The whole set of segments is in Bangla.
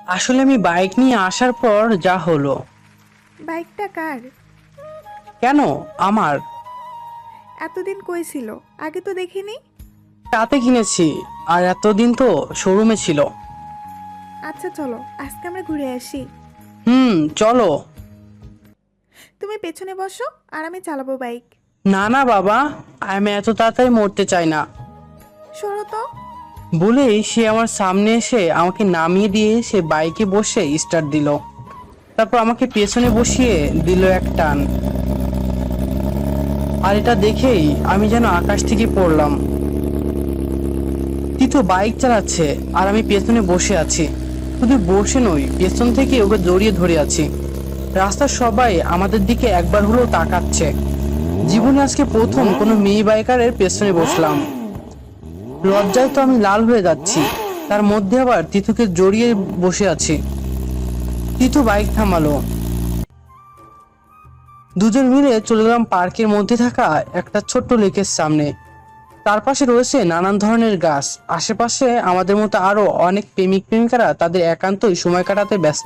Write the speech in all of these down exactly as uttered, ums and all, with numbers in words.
আসলে আমি বাইক নিয়ে আসার পর যা হলো। বাইকটা কার? কেন? আমার। এতদিন কই ছিল? আগে তো দেখিনি। রাতে কিনেছি, আর এতদিন তো শোরুমে ছিল। আচ্ছা চলো আজকে আমরা ঘুরে আসি। হুম, চলো। তুমি পেছনে বসো আর আমি চালাবো বাইক। না না বাবা, আমি এত তাড়াতাড়ি মরতে চাই না। সরো তো। বলেই সে আমার সামনে এসে আমাকে নামিয়ে দিয়ে সে বাইকে বসে স্টার্ট দিল। তারপর আমাকে পেছনে বসিয়ে দিল এক টান। আর এটা দেখেই আমি যেন আকাশ থেকে পড়লাম। তিতো বাইক চালাচ্ছে আর আমি পেছনে বসে আছি। শুধু বসে নই, পেছন থেকে ওকে জড়িয়ে ধরে আছি। রাস্তার সবাই আমাদের দিকে একবার হলেও তাকাচ্ছে। জীবনে আজকে প্রথম কোনো মেয়ে বাইকারের পেছনে বসলাম। লজ্জায় তো আমি লাল হয়ে যাচ্ছি, তার মধ্যে আবার তিতুকে জড়িয়ে বসে আছি। তিতু বাইক থামালো। দুজন মিলে চলে গেলাম পার্কের মধ্যে থাকা একটা ছোট্ট লেকের সামনে। তার পাশে রয়েছে নানান ধরনের গাছ। আশেপাশে আমাদের মতো আরো অনেক প্রেমিক প্রেমিকারা তাদের একান্তই সময় কাটাতে ব্যস্ত।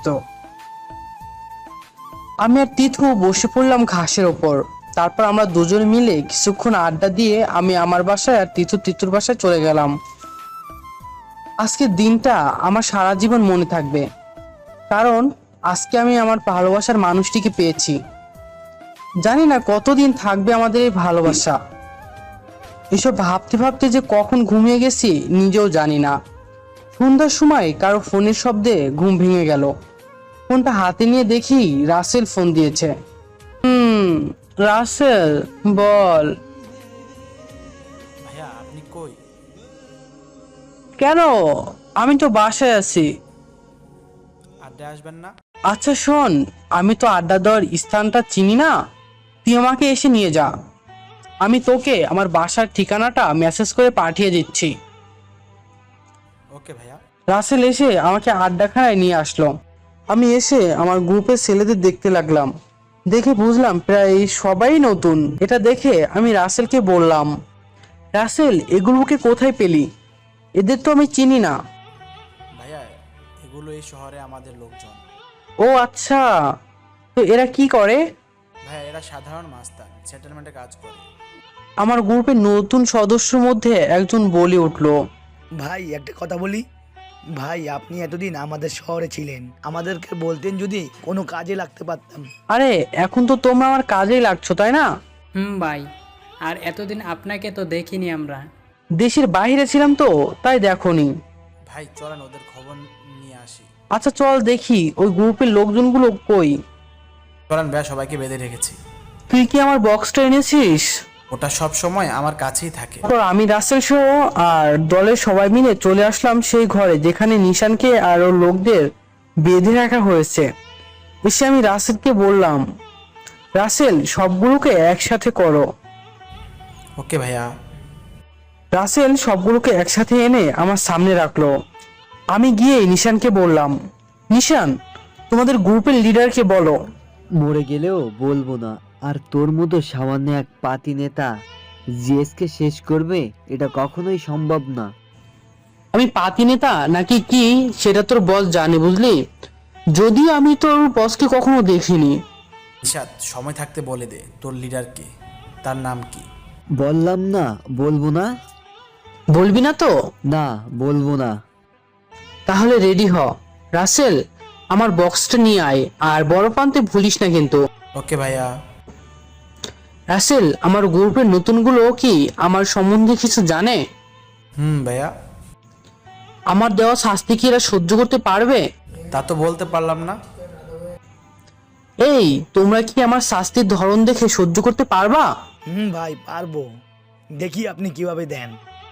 আমি আর তিথু বসে পড়লাম ঘাসের ওপর। তারপর আমরা দুজন মিলে কিছুক্ষণ আড্ডা দিয়ে আমি আমার বাসায় আর তিথু তিতুর বাসায় চলে গেলাম। আজকের দিনটা আমার সারা জীবন মনে থাকবে, কারণ আজকে আমি আমার ভালোবাসার মানুষটিকে পেয়েছি। জানি না কতদিন থাকবে আমাদের এই ভালোবাসা। এসব ভাবতে ভাবতে যে কখন ঘুমিয়ে গেছি নিজেও জানি না। সন্ধ্যার সময় কারো ফোনের শব্দে ঘুম ভেঙে গেল। ফোনটা হাতে নিয়ে দেখি রাসেল ফোন দিয়েছে। হুম, রাসেল, বল। ভাইয়া আপনি কই? কেন? আমি তো বাসায় আছি। আড্ডায় আসবেন না? আচ্ছা শোন, আমি তো আড্ডা দেওয়ার স্থানটা চিনি না, তুই আমাকে এসে নিয়ে যা। আমি তোকে আমার বাসার ঠিকানাটা মেসেজ করে পাঠিয়ে দিচ্ছি। ওকে ভাইয়া। রাসেল এসে আমাকে আড্ডাখানায় নিয়ে আসলো। আমি এসে আমার গ্রুপের ছেলেদের দেখতে লাগলাম। দেখে বুঝলাম প্রায় সবাই নতুন। এটা দেখে আমি রাসেলকে বললাম, রাসেল, এগুলোকে কোথায় পেলি? এদের তো আমি চিনি না। ভাইয়া এগুলো এই শহরে আমাদের লোকজন। ও আচ্ছা, তো এরা কি করে? ভাইয়া এরা সাধারণ মাস্তান, সেটেলমেন্টে কাজ করে। আমার গ্রুপের নতুন সদস্যর মধ্যে একজন বলে উঠলো, ভাই একটা কথা বলি। ভাই আপনি এতদিন আমাদের শহরে ছিলেন, আমাদেরকে বলতেন যদি কোনো কাজে লাগতে পারতাম। আরে এখন তো তোমরা আমার কাজেই লাগছো, তাই না? হুম ভাই, আর এতদিন আপনাকে তো দেখিনি আমরা। দেশের বাইরে ছিলাম তো, তাই দেখোনি। ভাই চলেন ওদের খবর নিয়ে আসি। আচ্ছা চল দেখি ওই গ্রুপের লোকজনগুলো কই। চলেন ভাইয়া, সবাইকে বেঁধে রেখেছি। তুই কি আমার বক্সটা এনেছিস? ওটা সব সময় আমার কাছেই থাকে। তারপর আমি রাসেল সহ আর দলের সবাই মিলে চলে আসলাম সেই ঘরে যেখানে নিশানকে আর ওর লোকদের বেঁধে রাখা হয়েছে। এসে আমি রাসেলকে বললাম, রাসেল, সবগুলোকে একসাথে করো। ওকে ভাইয়া। রাসেল সবগুলোকে একসাথে এনে আমার সামনে রাখলো। আমি গিয়ে নিশানকে বললাম, নিশান, তোমাদের গ্রুপের লিডারকে বলো। মরে গেলেও বলবো না। আর তোর মতো সামান্য এক পাতি নেতা জিএসকে শেষ করবে, এটা কখনোই সম্ভব না। আমি পাতি নেতা নাকি কি সেটা তোর বস জানে, বুঝলি? যদিও আমি তোর বসকে কখনো দেখিনি। নিশাদ, সময় থাকতে বলে দে তোর লিডার কে, তার নাম কি? বললাম না বলবো না। বলবি না তো? না, বলবো না। তাহলে রেডি হ। রাসেল, আমার বক্সটা নিয়ে আয়, আর বড় পান্তে ভুলিস না কিন্তু। ওকে ভাইয়া। রাসেল, আমার গ্রুপের নতুনগুলো কি আমার সম্বন্ধে কিছু জানে? হুম ভাইয়া। আমার দেওয়া শাস্তি কি এরা সহ্য করতে পারবে? তা তো বলতে পারলাম না। এই, তোমরা কি আমার শাস্তির ধরন দেখে সহ্য করতে পারবা? হুম ভাই পারবো, দেখি আপনি কিভাবে দেন।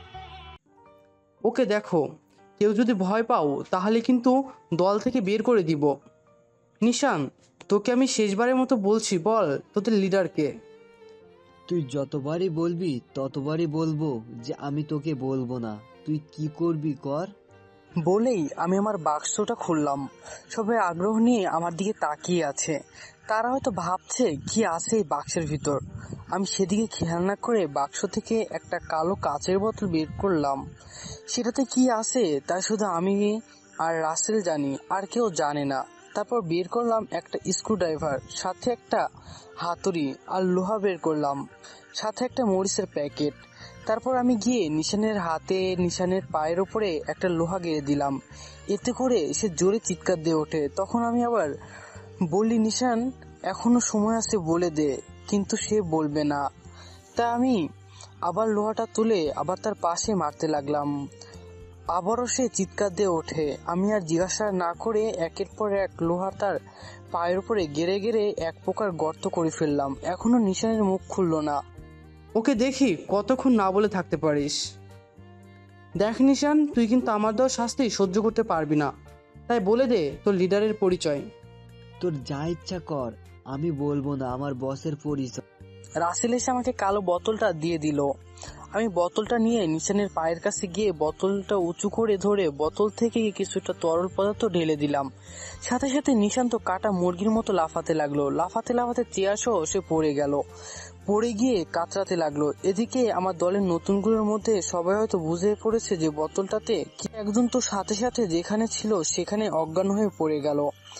ওকে দেখো, কেউ যদি ভয় পাও তাহলে কিন্তু দল থেকে বের করে দিব। নিশান, তোকে আমি শেষবারের মতো বলছি, বল তোদের লিডারকে। তুই যতবারই বলবি ততবারই বলবো যে আমি তোকে বলবো না। তুই কি করবি কর। বলেই আমি আমার বাক্সটা খুললাম। সবাই আগ্রহ নিয়ে আমার দিকে তাকিয়ে আছে। তারা হয়তো ভাবছে কি আছে এই বাক্সের ভিতর। আমি সেদিকে খেয়াল না করে বাক্স থেকে একটা কালো কাচের বোতল বের করলাম। সেটাতে কি আছে তা শুধু আমি আর রাসেল জানি, আর কেউ জানে না। তারপর বের করলাম একটা স্ক্রুড্রাইভার, সাথে একটা হাতুড়ি আর লোহা বের করলাম, সাথে একটা মরিচের প্যাকেট। তারপর আমি গিয়ে নিশানের হাতে, নিশানের পায়ের ওপরে একটা লোহা গেড়ে দিলাম। এতে করে সে জোরে চিৎকার দিয়ে ওঠে। তখন আমি আবার বললি, নিশান এখনো সময় আছে, বলে দে। কিন্তু সে বলবে না। তা আমি আবার লোহাটা তুলে আবার তার পাশে মারতে লাগলাম। আবারও সে চিৎকার দিয়ে ওঠে। আমি আর জিজ্ঞাসা না করে একের পর এক লোহা তার পায়ের উপরে গেড়ে গেড়ে এক প্রকার গর্ত করে ফেললাম। এখনো নিশানের মুখ খুললো না। ওকে দেখি কতক্ষণ না বলে থাকতে পারিস। দেখ নিশান, তুই কিন্তু আমার দেওয়া শাস্তি সহ্য করতে পারবি না, তাই বলে দে তোর লিডারের পরিচয়। তোর যা ইচ্ছা কর, আমি বলবো না আমার বসের পরিচয়। রাসেল এসে আমাকে কালো বোতলটা দিয়ে দিল। আমি বোতলটা নিয়ে নিশানের পায়ের কাছে গিয়ে বোতলটা উঁচু করে ধরে বোতল থেকে কিছুটা তরল পদার্থ ঢেলে দিলাম। সাথে সাথে নিশান তো কাটা মুরগির মতো লাফাতে লাগলো। লাফাতে লাফাতে চেয়ার সহ সে পড়ে গেল, পড়ে গিয়ে কাতরাতে লাগলো। এদিকে আমার দলের নতুনগুলোর মধ্যে সবাই হয়তো বুঝে পড়েছে যে বোতলটাতে কি, একজন তো সাথে সাথে যেখানে ছিল সেখানে অজ্ঞান হয়ে পড়ে গেল,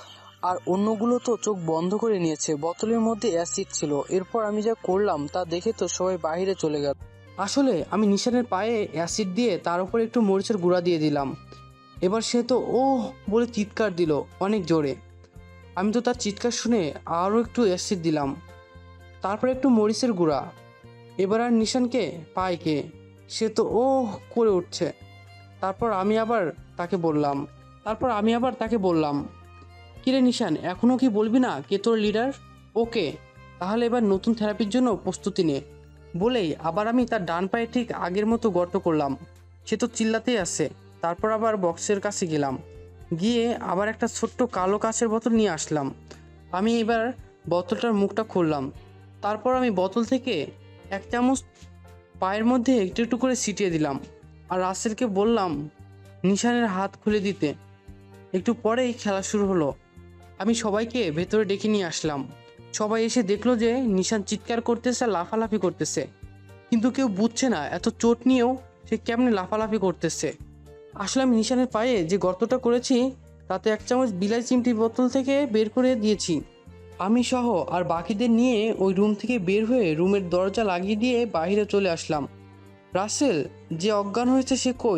আর অন্যগুলো তো চোখ বন্ধ করে নিয়েছে। বোতলের মধ্যে অ্যাসিড ছিল। এরপর আমি যা করলাম তা দেখে তো সবাই বাইরে চলে গেল। আসলে আমি নিশানের পায়ে অ্যাসিড দিয়ে তার উপর একটু মরিচের গুঁড়া দিয়ে দিলাম। এবার সে তো ও বলে চিৎকার দিল অনেক জোরে। আমি তো তার চিৎকার শুনে আরও একটু অ্যাসিড দিলাম, তারপর একটু মরিচের গুঁড়া। এবার আর নিশানকে পায় কে, সে তো ও করে উঠছে। তারপর আমি আবার তাকে বললাম তারপর আমি আবার তাকে বললাম কিরে নিশান, এখনো কি বলবি না কে তোর লিডার? ওকে, তাহলে এবার নতুন থেরাপির জন্য প্রস্তুতি নে। বলেই আবার আমি তার ডান পায়ে ঠিক আগের মতো গর্ত করলাম। সে তো চিল্লাতেই আছে। তারপর আবার বক্সের কাছে গেলাম, গিয়ে আবার একটা ছোট্ট কালো কাঁচের বোতল নিয়ে আসলাম। আমি এবার বোতলটার মুখটা খুললাম। তারপর আমি বোতল থেকে এক চামচ পায়ের মধ্যে একটু একটু করে ছিটিয়ে দিলাম, আর রাসেলকে বললাম নিশানের হাত খুলে দিতে। একটু পরেই খেলা শুরু হলো। আমি সবাইকে ভেতরে ডেকে নিয়ে আসলাম। সবাই এসে দেখলো যে নিশান চিৎকার করতেছে, লাফালাফি করতেছে, কিন্তু কেউ বুঝছে না এত চোট নিয়েও সে কেমনে লাফালাফি করতেছে। আসলে আমি নিশানের পায়ে যে গর্তটা করেছি তাতে এক চামচ বিলাই চিমটি বোতল থেকে বের করে দিয়েছি। আমি সহ আর বাকিদের নিয়ে ওই রুম থেকে বের হয়ে রুমের দরজা লাগিয়ে দিয়ে বাইরে চলে আসলাম। রাসেল যে অজ্ঞান হয়েছে সে কই?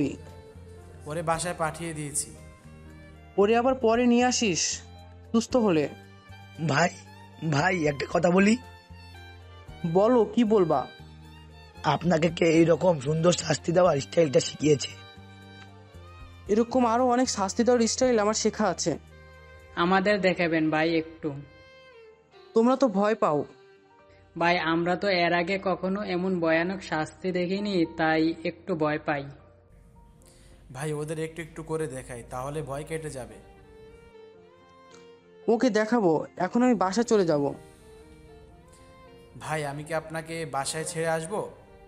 ওরে বাসায় পাঠিয়ে দিয়েছি। ওরে আবার পরে নিয়ে আসিস সুস্থ হলে। ভাই ভাই একটা কথা বলি, বলো, কি বলবা? আপনাকে কে এইরকম সুন্দর শাস্তি দেওয়ার স্টাইলটা শিখিয়েছে? এরকম আরো অনেক শাস্তি দেওয়ার স্টাইল আমার শেখা আছে। আমাদের দেখাবেন ভাই একটু। তোমরা তো ভয় পাও। ভাই আমরা তো এর আগে কখনো এমন ভয়ানক শাস্তি দেখিনি, তাই একটু ভয় পাই। ভাই ওদের একটু একটু করে দেখাই, তাহলে ভয় কেটে যাবে। ওকে দেখাবো, এখন আমি বাসা চলে যাব। ভাই আমি কি আপনাকে বাসায় ছেড়ে আসবো?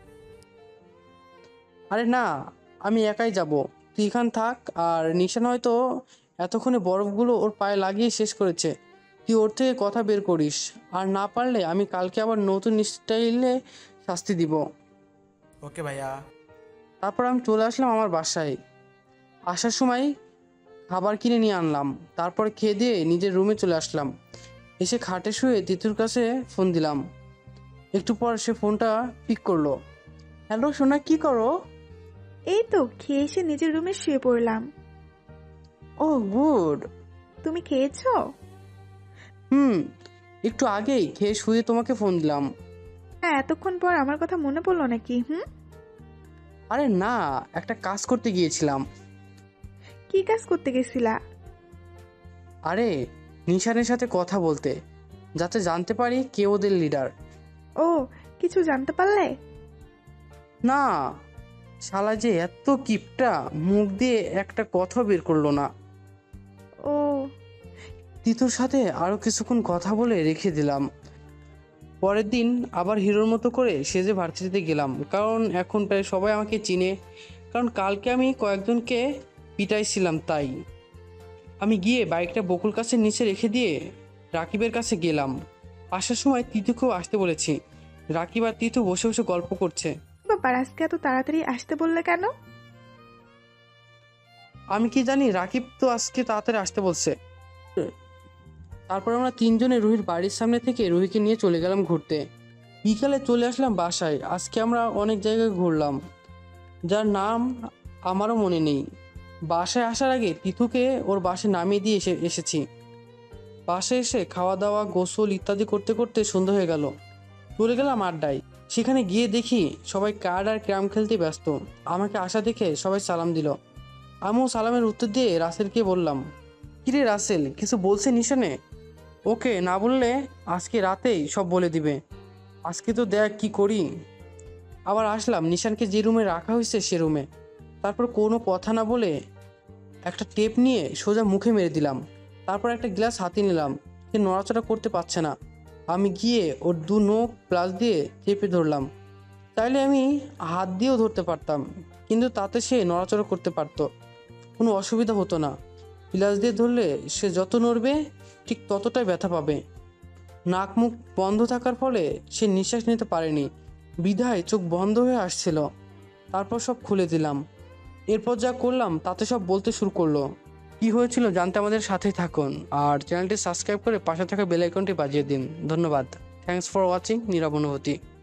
আরে না, আমি একাই যাব। তুই এখান থাক, আর নিশান হয়তো এতক্ষণে বরফগুলো ওর পায়ে লাগিয়ে শেষ করেছে। তুই ওর থেকে কথা বের করিস, আর না পারলে আমি কালকে আবার নতুন স্টাইলে শাস্তি দিব। ওকে ভাইয়া। তারপর আমি চলে আসলাম আমার বাসায়। আসার সময় খাবার কিনে নিয়ে আনলাম, তারপর খেয়ে দিয়ে নিজের রুমে চলে আসলাম। এসে খাটে শুয়ে তিতুর কাছে ফোন দিলাম। একটু পর সে ফোনটা পিক করলো। হ্যালো সোনা, কি করো? এই তো খেয়ে এসে নিজের রুমে শুয়ে পড়লাম। Oh good. তুমি খেয়েছো? হুম, একটু আগেই খেয়ে শুয়ে তোমাকে ফোন দিলাম। হ্যাঁ, এতক্ষণ পর আমার কথা মনে পড়লো নাকি? হুম, আরে না, একটা কাজ করতে গিয়েছিলাম। কি কাজ করতে গেছিলা? আরে নিশানের সাথে কথা বলতে, যাতে জানতে পারি কে ওদের লিডার। ও, কিছু জানতে পারলে? না, শালা যে এত কিপটা, মুখ দিয়ে একটা কথা বের করলো না। ও, তিতুর সাথে আরো কিছুক্ষণ কথা বলে রেখে দিলাম। পরের দিন আবার হিরোর মতো করে সেজে ভার্সিটিতে গেলাম, কারণ এখন প্রায় সবাই আমাকে চিনে, কারণ কালকে আমি কয়েকজনকে পিটাইছিলাম। তাই আমি গিয়ে বাইকটা বকুল গাছের নিচে রেখে দিয়ে রাকিবের কাছে গেলাম। আসার সময় তিতুকেও আসতে বলেছি। রাকিব আর তিতু বসে বসে গল্প করছে। ব্যাপার, আজকে এত তাড়াতাড়ি আসতে বললে কেন? আমি কি জানি রাকিব তো আজকে তাড়াতাড়ি আসতে বলছে। তারপর আমরা তিনজনে রুহির বাড়ির সামনে থেকে রুহিকে নিয়ে চলে গেলাম ঘুরতে। বিকালে চলে আসলাম বাসায়। আজকে আমরা অনেক জায়গায় ঘুরলাম, যার নাম আমারও মনে নেই। বাসায় আসার আগে তিথুকে ওর বাসায় নামিয়ে দিয়ে এসে এসেছি। বাসায় এসে খাওয়া দাওয়া, গোসল ইত্যাদি করতে করতে সন্ধ্যা হয়ে গেল। চলে গেলাম আড্ডায়। সেখানে গিয়ে দেখি সবাই কার্ড আর ক্যারাম খেলতে ব্যস্ত। আমাকে আসা দেখে সবাই সালাম দিল। আমিও সালামের উত্তর দিয়ে রাসেলকে বললাম, কিরে রাসেল, কিছু বলছে নিশানে? ওকে না বললে আজকে রাতেই সব বলে দিবে। আজকে তো দেখ কি করি। আবার আসলাম নিশানকে যে রুমে রাখা হয়েছে সে রুমে। তারপর কোনো কথা না বলে একটা টেপ নিয়ে সোজা মুখে মেরে দিলাম। তারপর একটা গ্লাস হাতে নিলাম। সে নড়াচড়া করতে পারছে না। আমি গিয়ে ওর দু নখ প্লাস দিয়ে চেপে ধরলাম। চাইলে আমি হাত দিয়েও ধরতে পারতাম, কিন্তু তাতে সে নড়াচড়া করতে পারতো, কোনো অসুবিধা হতো না। প্লাস দিয়ে ধরলে সে যত নড়বে ঠিক ততটাই ব্যথা পাবে। নাক মুখ বন্ধ থাকার ফলে সে নিঃশ্বাস নিতে পারেনি, বিধায় চোখ বন্ধ হয়ে আসছিল। তারপর সব খুলে দিলাম। এরপর যা করলাম তাতে সব বলতে শুরু করলো। কি হয়েছিল জানতে আমাদের সাথেই থাকুন, আর চ্যানেলটি সাবস্ক্রাইব করে পাশে থাকা বেল আইকনটি বাজিয়ে দিন। ধন্যবাদ। থ্যাঙ্কস ফর ওয়াচিং নীরব অনুভূতি।